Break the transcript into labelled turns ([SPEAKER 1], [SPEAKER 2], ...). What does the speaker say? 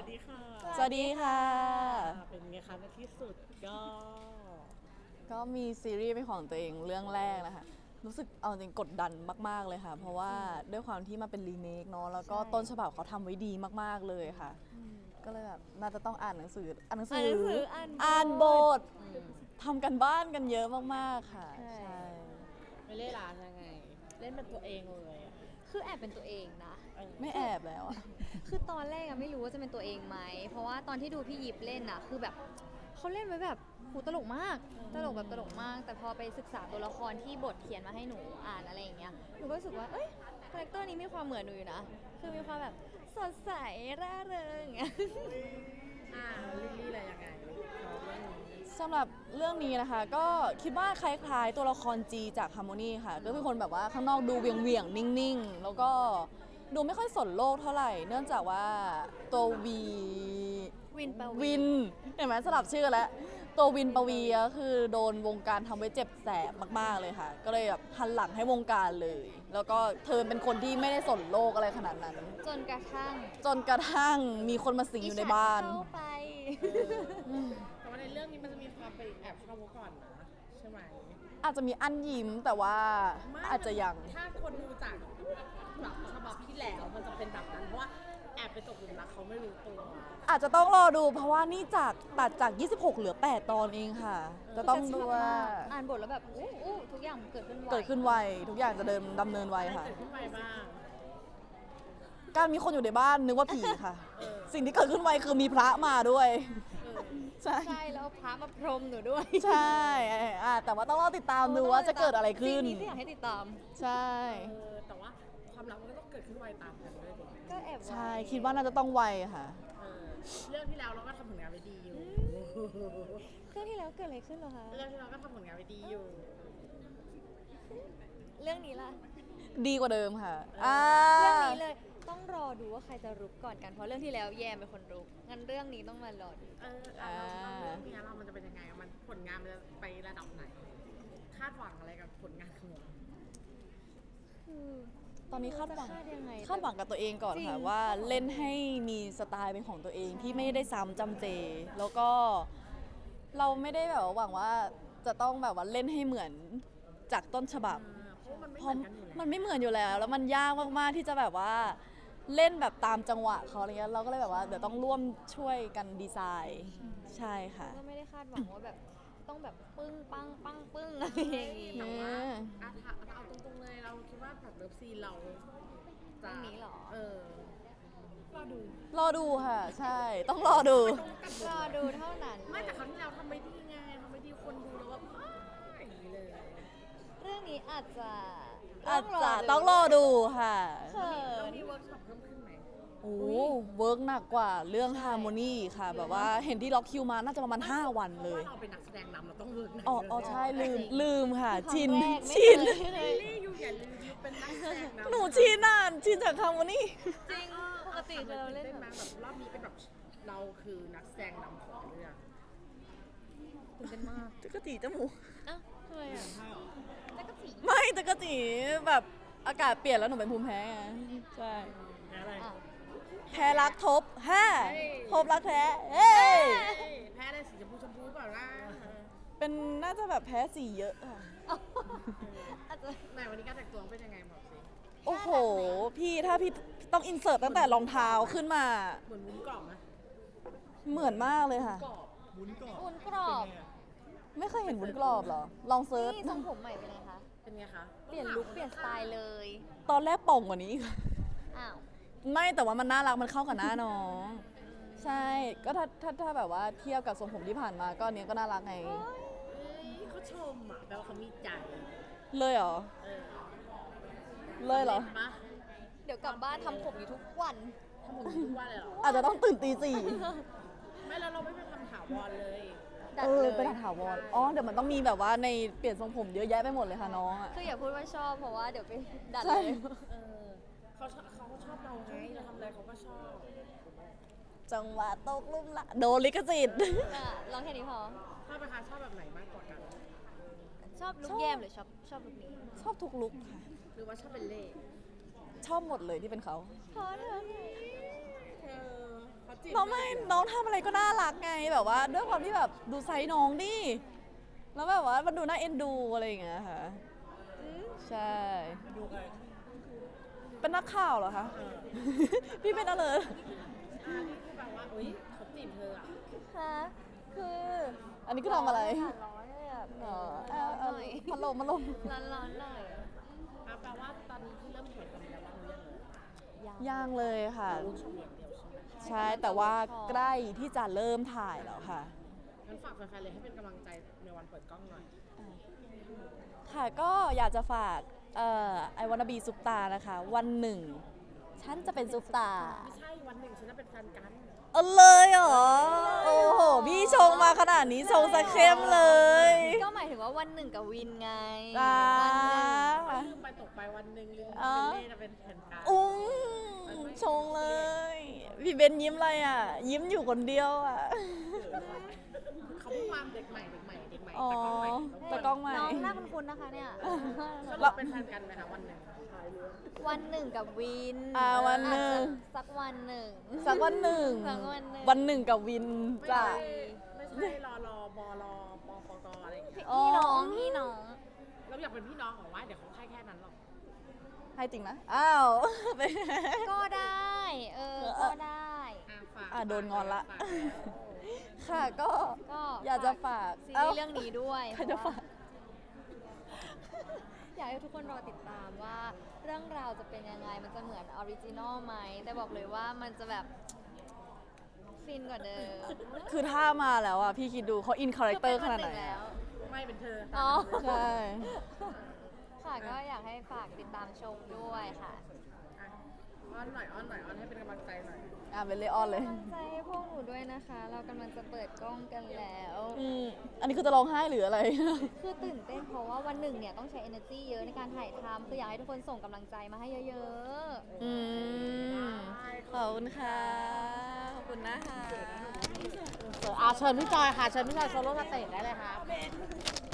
[SPEAKER 1] ดีค่ะ
[SPEAKER 2] สวัสดีค่ะ
[SPEAKER 1] เป็นไงคะในที่สุดก็
[SPEAKER 2] ก็มีซีรีส์เป็นของตัวเองเรื่องแรกนะคะรู้สึกเอาจริงกดดันมากๆเลยค่ะ เพราะว่าด้วยความที่มาเป็นรีเมคเนาะแล้วก็ต้นฉบับเขาทำไว้ดีมากๆเลยค่ะ ก็เลยแบบน่าจะต้องอ่านหนังสืออ่านบททำกันบ้านกันเยอะมากๆค่ะ ใช่
[SPEAKER 1] ไม่เล่นร้านยังไง เล่นเป็นตัวเองเลยอะ
[SPEAKER 3] คือแอบเป็นตัวเองนะ
[SPEAKER 2] ไม่แอบแล้วอะ
[SPEAKER 3] คือตอนแรกอะไม่รู้ว่าจะเป็นตัวเองไหม เพราะว่าตอนที่ดูพี่ยิปเล่นอะคือแบบเขาเล่นไว้แบบหูตลกมาก ตลกแบบตลกมาก แต่พอไปศึกษาตัวละครที่บทเขียนมาให้หนูอ่านอะไรอย่างเงี้ย หนูก็รู้สึกว่า เอ้ย คาแรคเตอร์นี้มีความเหมือนหนูอยู่นะ คือมีความแบบสดใสร่าเริงอย่างเงี้ย
[SPEAKER 1] ลิลลี่อะไรยังไงชอบเรื่องนี้
[SPEAKER 2] สำหรับเรื่องนี้นะคะก็คิดว่าคล้ายๆตัวละครจีจาก Harmony ค่ะก็เป็นคนแบบว่าข้างนอกดูเวียงๆนิ่งๆ แล้วก็ดูไม่ค่อยสนโลกเท่าไหร่ เนื่องจากว่าตัว
[SPEAKER 3] วินปวี
[SPEAKER 2] วินเห็นไหมสลับชื่อแล้วตัววินปวีก็คือโดนวงการทำไว้เจ็บแสบมากๆเลยค่ะ ก็เลยแบบหันหลังให้วงการเลย แล้วก็เธอเป็นคนที่ไม่ได้สนโลกอะไรขนาดนั้น
[SPEAKER 3] จนกระทั่ง
[SPEAKER 2] จนกระทั่งมีคนมาสิงอยู่ในบ้าน
[SPEAKER 3] เข้าไป
[SPEAKER 1] แต่ว่าในเรื่องนี้มันจะมีความไปแอบชอบเขาก่อนนะใช่ไหม
[SPEAKER 2] อาจจะมีอันยิ้มแต่ว่า
[SPEAKER 1] ไม่
[SPEAKER 2] อาจจะยัง
[SPEAKER 1] ถ้าคนดูจากแบบฉบับที่แล้วมันจะเป็นแบบนั้นเพราะว่าแอบไปตกหลุมรักเขาไม่รู้ตัว
[SPEAKER 2] อาจจะต้องรอดูเพราะว่านี่ตัดจาก 26 เหลือ 8 ตอนเองค่ะ จะต้องดูว่า
[SPEAKER 3] อ่านบทแล้วแบบอู้ทุกอย่างเกิดขึ้นไว
[SPEAKER 2] เกิดขึ้นไว ทุกอย่างจะดำเนินไว
[SPEAKER 1] อะไร
[SPEAKER 2] ค่ะ
[SPEAKER 1] เกิดขึ้นไปบ้าง
[SPEAKER 2] การมีคนอยู่ในบ้านนึกว่าผีค่ะ
[SPEAKER 1] เออ
[SPEAKER 2] สิ่งที่เกิดขึ้นไวคือมีพระมาด้วย
[SPEAKER 1] เออ
[SPEAKER 2] ใช่
[SPEAKER 3] ใช่แล้วเอาพระมาพรมหนูด้วย
[SPEAKER 2] ใช่แต่ว่าต้องรอติดตามดูว่าจะเกิดอะไรขึ้น
[SPEAKER 3] ซีนี้ที่อยากให้ติดตาม
[SPEAKER 2] ใช่
[SPEAKER 1] แต่ว่าความรักมันก็ต้องเกิดขึ้นไวตามกันด้วยดิ
[SPEAKER 3] ก็แอบไว้
[SPEAKER 2] ใช่ คิดว่าน่าจะต้องไวค่ะ
[SPEAKER 1] เออเรื่องที่แล้วเราก็ทำผลงานไปดีอยู่
[SPEAKER 3] เครื่องที่แล้วเกิดอะไรขึ้นเหรอคะ
[SPEAKER 1] เรื่องที่เราก็ทำผลงานไปดีอยู่
[SPEAKER 3] เรื่องนี้ล่ะ
[SPEAKER 2] ดีกว่าเดิมค่ะ
[SPEAKER 3] เรื่องนี้เลยต้องรอดูว่าใครจะรุกก่อนกันเพราะเรื่องที่แล้วแยมเป็นคนรุกงั้นเรื่องนี้ต้องมารอดู
[SPEAKER 1] เราเรื่องนี้เรามันจะเป็นยังไงมันผลงานมันจะไประดับไหน คาดหวังอะไรกับผลงานของเรา
[SPEAKER 3] คือ
[SPEAKER 2] ตอนนี้คาดหวัง
[SPEAKER 3] จะคาดยังไง
[SPEAKER 2] คาดหวังกับตัวเองก่อน
[SPEAKER 3] จริง
[SPEAKER 2] ค่ะว่าเล่นให้มีสไตล์เป็นของตัวเองที่ไม่ได้ซ้ำจำเจ แล้วก็เราไม่ได้แบบว่าหวังว่าจะต้องแบบว่าเล่นให้เหมือนจากต้นฉบับ
[SPEAKER 1] เพราะมันไม่เห
[SPEAKER 2] เพ
[SPEAKER 1] มื
[SPEAKER 2] ราะ
[SPEAKER 1] อนกันอยู่แล้ว
[SPEAKER 2] มันไม่เหมือนอยู่แล้ว แล้วมันยากมากๆที่จะแบบว่าเล่นแบบตามจังหวะเขาอะไรเงี้ยเราก็เลยแบบว่าเดี๋ยวต้องร่วมช่วยกันดีไซน์ใช่ค่ะ
[SPEAKER 3] ก็ไม่ได้คาดหวังว่าแบบต้องแบบปึ้งปังปังปึ้งอะไรอย่างงี้
[SPEAKER 1] แต่ว่าถ้าเอาตรงๆเลยเราคิดว่าแบบเลิฟซีนเราจะ
[SPEAKER 3] เรื่องนี้เหรอ
[SPEAKER 1] รอดู
[SPEAKER 2] รอดูค่ะ ใช่ ต้องรอดู
[SPEAKER 3] รอดูเท่านั้น
[SPEAKER 1] ไม่แต่ครั้งที่แล้วทำไม่ดีไงทำไม่ดีคนดูแล้วแบบอย่างนี้เลย
[SPEAKER 3] เรื่องนี้อาจจะ
[SPEAKER 2] ต้องรอดูค่ะ
[SPEAKER 3] เขิ
[SPEAKER 1] เรา
[SPEAKER 3] น
[SPEAKER 1] มีเวิร์กช็อปเพิ่มขึ้นไหม
[SPEAKER 2] โอ้เวิร์กหนักกว่าเรื่องฮาร์โมนีค่ะ แบบว่าเห็นที่ล็อกคิวมาน่าจะประมาณ 5 วันเลย
[SPEAKER 1] เราเป็นนักแสดงนำเราต้องเวิร์กหนัก
[SPEAKER 2] อ๋อใช่ลืมค่ะ
[SPEAKER 3] ครั้ง
[SPEAKER 2] ชิน
[SPEAKER 3] แรกไม่
[SPEAKER 2] ชิน
[SPEAKER 3] เคยเลย
[SPEAKER 1] ลี่อยู่อย่าลืมยูเป็นนักแสดงนำ
[SPEAKER 2] หนูชินอ่ะชินจากฮาร์โมนี
[SPEAKER 3] จริงปกติคือเราเล่น
[SPEAKER 1] ได้
[SPEAKER 3] แบ
[SPEAKER 1] ไหม
[SPEAKER 3] บ
[SPEAKER 1] แบบรอบนี้เป็นแบบเราคือนักแสดงนำของเรื่องตื่นเต้นมาก
[SPEAKER 2] จักรจีจมูก
[SPEAKER 3] อ้าวทำไมอ่ะแล้วก็ผี
[SPEAKER 2] ไม่จักรจีแบบอากาศเปลี่ยนแล้วหนูเป็นภูมิแพ้ไงใช่
[SPEAKER 1] อะไร
[SPEAKER 3] อ่ะ
[SPEAKER 2] แพ้รักทบทบรักแท้เอ้ย
[SPEAKER 1] แพ้ได้สีชมพูเปล่าล่ะ
[SPEAKER 2] เป็นน่าจะแบบแพ้สีเยอะค่ะ
[SPEAKER 3] อาจจะ
[SPEAKER 1] ไหนวันนี้การแต่งตัวเป็นยังไงบอกสิ
[SPEAKER 2] โอ้โห พี่ถ้าพี่ต้องอินเสิร์ตตั้งแต่รองเท้าขึ้นมา
[SPEAKER 1] เหมือนวุ้นกรอบไหม
[SPEAKER 2] เหมือนมากเลยค่ะ
[SPEAKER 1] กรอบ
[SPEAKER 3] วุ้นกรอบ
[SPEAKER 2] ไม่เคยเห็นวุ้นกรอบเหรอ ลองเซิร์ช
[SPEAKER 3] นี่ทรงผมใหม่เป็นไงคะ
[SPEAKER 1] เป็นไงคะ
[SPEAKER 3] เปลี่ยนลุคเปลี่ยนสไตล์เลย
[SPEAKER 2] ตอนแรกโป่งกว่านี้
[SPEAKER 3] อ้าว
[SPEAKER 2] ไม่แต่ว่ามันน่ารักมันเข้ากับหน้าน้อง ใช่ ก็ถ้าแบบว่าเทียบกับทรงผมที่ผ่านมาก็อันเนี้ยก็น่ารักไง
[SPEAKER 1] เอ้ยเขาชมอ่ะแปลว่าเขามีใจ
[SPEAKER 2] เลยเหรอ
[SPEAKER 1] เออ
[SPEAKER 2] เลยเหรอ
[SPEAKER 1] ห็นปะ
[SPEAKER 3] เดี๋ยวกลับบ้านทำผมอยู่ทุกวัน
[SPEAKER 1] ทำผมทุกวันเลยเหรอ
[SPEAKER 2] อาจจะต้องตื่นตีสี่
[SPEAKER 1] ไม่แล้วเราไม่ไปทำถาวรเลย
[SPEAKER 3] ดัด
[SPEAKER 2] เอ
[SPEAKER 3] เล
[SPEAKER 2] อย ไปถาวรอ๋อ เดี๋ยวมันต้องมีแบบว่าในเปลี่ยนทรงผมเยอะแยะไปหมดเลยค่ะน้องอ่ะ
[SPEAKER 3] คืออย่าพูดว่าชอบเพราะว่าเดี๋ยวไปดัด
[SPEAKER 2] ใช่
[SPEAKER 3] เลย
[SPEAKER 1] เออเขาก็ชอบเราไงเราทำอะไรเขาก็ชอบ
[SPEAKER 2] จังหวะตกลุ่มละโดนลิขสิทธิ์
[SPEAKER 3] อ่ะลองแค่นี้พอ
[SPEAKER 1] ชอบไหมคะชอบแบบไหนมากกว่ากัน
[SPEAKER 3] ชอบลุคแยมหรือชอบลุคนี้
[SPEAKER 2] ชอบทุกลุกค่ะ
[SPEAKER 1] หรือว่าชอบเป็นเล่
[SPEAKER 2] ชอบหมดเลยที่เป็นเขา
[SPEAKER 3] พอเถอะ
[SPEAKER 1] เออเขาจีบ
[SPEAKER 2] เพราะไม่น้องทำอะไรก็น่ารักไงแบบว่าด้วยความที่แบบดูไซส์น้องดิแล้วแบบว่ามันดูน่าเอ็นดูอะไรอย่างเงี้ยค่ะใช่
[SPEAKER 4] ดูใคร
[SPEAKER 2] เป็นนักข่าวเหรอคะ พี่เป็นอะไร
[SPEAKER 1] นี่คือแปลว่าอุ้ยเขาจีบเธออ่ะ
[SPEAKER 3] ฮะคือ
[SPEAKER 2] อันนี้คือทำอะไร
[SPEAKER 3] ร้อนเลยแบบ
[SPEAKER 2] อ๋อ
[SPEAKER 3] ร้อนหน่อย
[SPEAKER 2] พัดลม
[SPEAKER 3] ร้อนหน่อย
[SPEAKER 1] แปลว่าตอนนี้ที่เริ่มเห็นกันแล้วบ้างหรือยังเลย
[SPEAKER 2] ย่างเลยค่ะ
[SPEAKER 1] ลูกชมอย่างเดียวใช่ไหม
[SPEAKER 2] ใช่แต่ว่าใกล้ที่จะเริ่มถ่ายแล้วค่ะ
[SPEAKER 1] งั้นฝากแฟนๆเลยให้เป็นกำลังใจในวันเปิดกล้องหน่อย
[SPEAKER 2] ค่ะก็อยากจะฝากไอวานาบีซุปตานะคะ วันหนึ่ง ฉันจะเป็นซุปตา
[SPEAKER 1] ไม่ใช่วันหนึ่งฉันจะเป็นแฟนกัน
[SPEAKER 2] เอาเลยเหรอ โอ้โห พี่ชงมาขนาดนี้ชงสะเข้มเลย
[SPEAKER 3] ก็หมายถึงว่าวันหนึ่งกับวินไง
[SPEAKER 2] จ้า
[SPEAKER 3] วันหนึ่ง
[SPEAKER 1] ลืมไปตกไปวันหนึ่งลืม
[SPEAKER 2] อ๋อ
[SPEAKER 1] เป็นเล่จะเป็นแฟนกัน
[SPEAKER 2] อุ้มชงเลย พี่เบนยิ้มอะไรอ่ะ ยิ้มอยู่คนเดียวอ่ะ
[SPEAKER 1] เขาเพิ่งวางเด็กใหม่
[SPEAKER 2] อ๋อ
[SPEAKER 1] แต่กล้องใหม่
[SPEAKER 2] แต่กล้องใหม่
[SPEAKER 3] น้องหน้าคุ้นๆนะคะเนี่ย
[SPEAKER 1] สรุปเป็นแฟนกันไหมคะวันหนึ่ง
[SPEAKER 3] วันหนึ่งกับวิน
[SPEAKER 2] วันหนึ่ง
[SPEAKER 3] อาจจะสักวันหนึ่ง
[SPEAKER 2] สักวันหนึ่ง
[SPEAKER 3] สักวันหนึ่ง
[SPEAKER 2] วันหนึ่งกับวิน
[SPEAKER 1] ไม่
[SPEAKER 2] จ้ะ
[SPEAKER 1] ใช่ไม่ใช่รอบลปปกอะไรอย่างเงี้ย
[SPEAKER 2] อ๋อ
[SPEAKER 3] พี่น้อง
[SPEAKER 1] เราอยากเป็นพี่น้องของว่าเดี๋ยวเขาให้แค่นั้นหรอก
[SPEAKER 2] ให้จริงนะ อ้าว
[SPEAKER 3] ก็ได้ ก็ได้
[SPEAKER 1] ฝาก
[SPEAKER 2] โดนงอนละ
[SPEAKER 1] ฝากแล้ว
[SPEAKER 2] ค่ะก็
[SPEAKER 3] ก็
[SPEAKER 2] อยากจะฝาก
[SPEAKER 3] ซีรีส์เรื่องนี้ด้วย
[SPEAKER 2] ใครจะฝาก
[SPEAKER 3] อยากให้ทุกคนรอติดตามว่าเรื่องราวจะเป็นยังไง มันจะเหมือนออริจินอลไหม แต่บอกเลยว่ามันจะแบบฟินกว่าเดิม
[SPEAKER 2] คือถ้ามาแล้วอ่ะ พี่คิดดูเขาอินคาแรคเตอร์ขนาดไหน
[SPEAKER 3] คือเป็วั
[SPEAKER 2] อะ
[SPEAKER 3] แล้ว
[SPEAKER 1] ไม่เป็นเธอ
[SPEAKER 3] อ๋อ
[SPEAKER 2] ใช่
[SPEAKER 3] ค่ะก็อยากให้ฝากติดตามชมด้วยค่ะ
[SPEAKER 1] อ่ะอ้อนหน่อยอ้อนให้เป็นกำลังใจหน่อย
[SPEAKER 2] เป็นเลออนเลย
[SPEAKER 3] กำลังใจให้พวกหนูด้วยนะคะ เรากำลังจะเปิดกล้องกันแล้ว
[SPEAKER 2] อันนี้คือจะร้องไห้หรืออะไร
[SPEAKER 3] คือตื่นเต้นเพราะว่าวันหนึ่งเนี่ยต้องใช้ energy เยอะในการถ่ายทำคืออยากให้ทุกคนส่งกำลังใจมาให้เยอะ
[SPEAKER 2] อืมขอบคุณค่ะ ขอบคุณนะคะ
[SPEAKER 1] เชิญพี่จอยค่ะ เชิญพี่จอยโซโล่สเตจได้เลยค่ะ